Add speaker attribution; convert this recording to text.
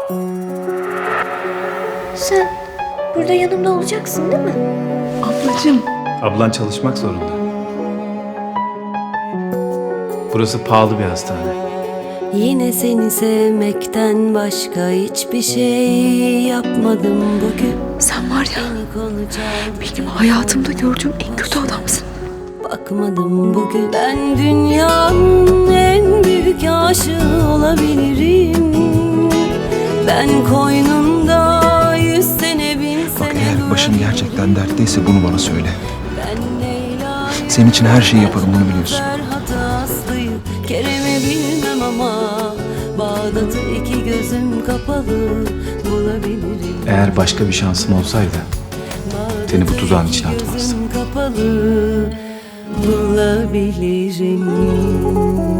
Speaker 1: Sen burada yanımda olacaksın değil mi?
Speaker 2: Ablacığım.
Speaker 3: Ablan çalışmak zorunda. Burası pahalı bir hastane.
Speaker 4: Yine seni sevmekten başka hiçbir şey yapmadım bugün.
Speaker 2: Sen var ya,
Speaker 4: Seni konu çaldı,
Speaker 2: benim hayatımda gördüğüm en kötü adamsın.
Speaker 4: bakmadım bugün. Ben dünyanın en büyük aşığı olabilirim. Ben koynunda 100 sene 1000
Speaker 5: Bak
Speaker 4: sene
Speaker 5: eğer başın gerçekten dertteyse bunu bana söyle.
Speaker 4: Ben Leyla,
Speaker 5: Senin için her şeyi yaparım, bunu biliyorsun.
Speaker 4: Ferhat Aslı'yı, Kerem'i bilmem ama Bağdat'ı iki gözüm kapalı bulabilirim.
Speaker 3: Eğer başka bir şansım olsaydı seni bu tuzağın içine
Speaker 4: Bağdat'ı iki
Speaker 3: atmazdım.
Speaker 4: gözüm kapalı bulabilirim.